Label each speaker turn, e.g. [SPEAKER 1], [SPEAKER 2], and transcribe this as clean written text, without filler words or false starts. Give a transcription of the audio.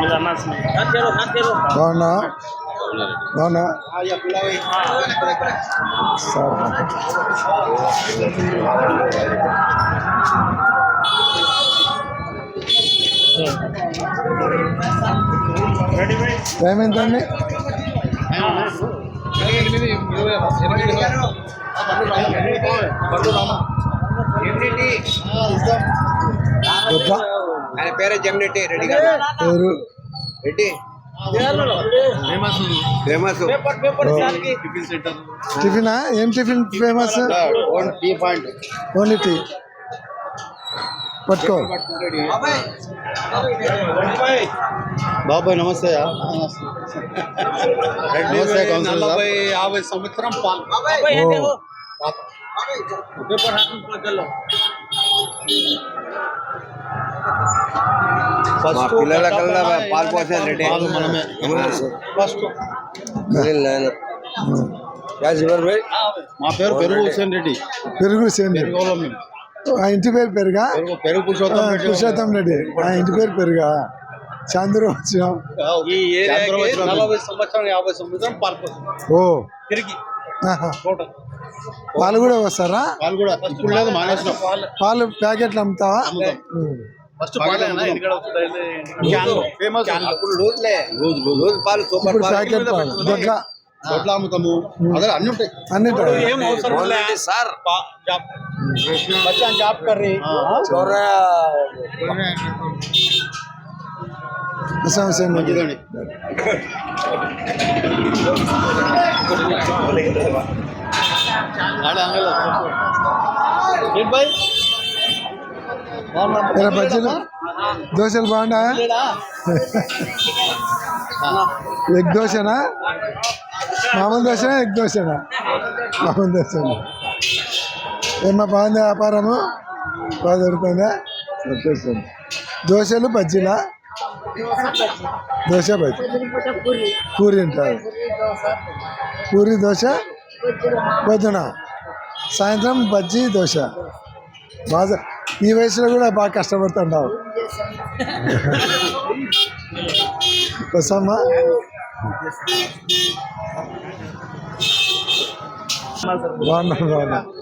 [SPEAKER 1] బాగున్నా బాగున్నా sir time ఎంతండి?
[SPEAKER 2] ఆయన పేరే జగనెట్టి రెడ్డి గారు.
[SPEAKER 1] పేరు
[SPEAKER 2] రెడ్డి ఫేమస్
[SPEAKER 1] టిఫినా? ఏం టిఫిన్ ఫేమస్? Only tea. పట్టుకో
[SPEAKER 3] బాబాయ్. నమస్తే. నమస్తే.
[SPEAKER 2] 50 సంవత్సరం పిల్లల కల్లా పాలు పోసేది రెడ్డి.
[SPEAKER 3] మా పేరు పెరుగు హుసేన్ రెడ్డి.
[SPEAKER 1] పెరుగు హుసేన్ రెడ్డి. ఆ ఇంటి పేరు పెరుగా?
[SPEAKER 3] పెరుగు
[SPEAKER 1] పురుషోత్తం రెడ్డి. ఆ ఇంటి పేరు పెరుగా? చాంద్రు వచ్చినాం.
[SPEAKER 2] 40 సంవత్సరం 50 సంవత్సరం పాలు పోసేది.
[SPEAKER 1] ఓ
[SPEAKER 2] తిరిగి
[SPEAKER 1] పాలు కూడా వస్తారా?
[SPEAKER 3] పాలు కూడా ఇప్పుడు లేదు, మానేసినాం.
[SPEAKER 1] పాలు ప్యాకెట్లు అమ్ముతావా?
[SPEAKER 2] ఫస్ట్ ఫేమస్ లూజ్ పాలు సూపర్
[SPEAKER 1] ఇప్పుడు ప్యాకెట్ పాలు
[SPEAKER 3] దొడ్ల అమ్ముతాము. అదే అన్ని ఉంటాయి.
[SPEAKER 1] అన్ని
[SPEAKER 2] ఏం అవసరం లేదు సార్. జాబ్ కర్రీ
[SPEAKER 3] మంచిదండి.
[SPEAKER 1] బజ్జీలు దోశలు బాగున్నాయా? ఎగ్ దోశనా? మామూలు దోశనా ఎగ్ దోశనా? మామూలు దోశనా? ఏమన్నా బాగుంది వ్యాపారము? బాగా దొరుకుతుందా? సంతోషం. దోశలు బజ్జీలా? దోశ బజ్జీ పూరి ఉంటారు. పూరి దోశ పొద్దున, సాయంత్రం బజ్జీ దోశ. బాగా ఈ వయసులో కూడా బాగా కష్టపడుతుంటావు. వస్తామా? బాగున్నా బాగున్నా.